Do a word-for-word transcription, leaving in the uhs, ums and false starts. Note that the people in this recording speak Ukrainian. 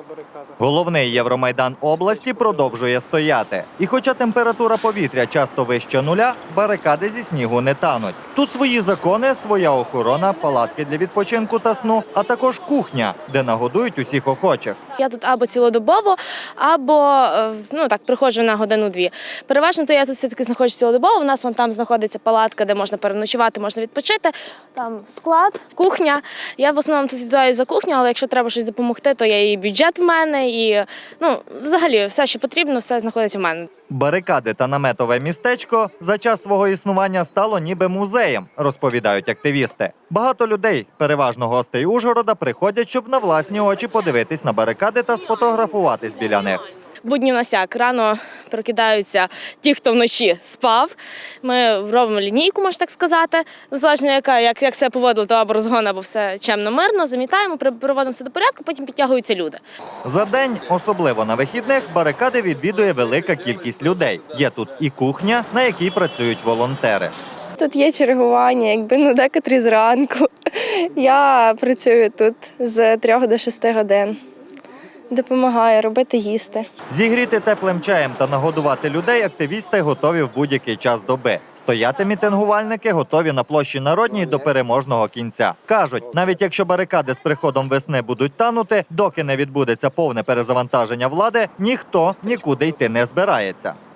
Головний Євромайдан області продовжує стояти. І хоча температура повітря часто вище нуля, барикади зі снігу не тануть. Тут свої закони, своя охорона, палатки для відпочинку та сну, а також кухня, де нагодують усіх охочих. Я тут або цілодобово, або ну так приходжу на годину-дві. Переважно то я тут все-таки знаходжусь цілодобово. У нас вон там знаходиться палатка, де можна переночувати, можна відпочити. Там склад, кухня. Я в основному тут відповідаю за кухню, але якщо треба щось допомогти, то є і бюджет в мене, і ну взагалі все, що потрібно, все знаходиться в мене. Барикади та наметове містечко за час свого існування стало ніби музеєм, розповідають активісти. Багато людей, переважно гостей Ужгорода, приходять, щоб на власні очі подивитись на барикади та сфотографуватись біля них. Будні у нас як, рано прокидаються ті, хто вночі спав. Ми робимо лінійку, можна так сказати. Залежно яка, як, як себе поводили, то або розгон, або все чемно-мирно, замітаємо, приводимо все до порядку, потім підтягуються люди. За день, особливо на вихідних, барикади відвідує велика кількість людей. Є тут і кухня, на якій працюють волонтери. Тут є чергування, якби ну декотрі зранку. Я працюю тут з трьох до шести годин. Допомагаю робити їсти. Зігріти теплим чаєм та нагодувати людей активісти готові в будь-який час доби. Стояти мітингувальники готові на площі Народній до переможного кінця. Кажуть, навіть якщо барикади з приходом весни будуть танути, доки не відбудеться повне перезавантаження влади, ніхто нікуди йти не збирається.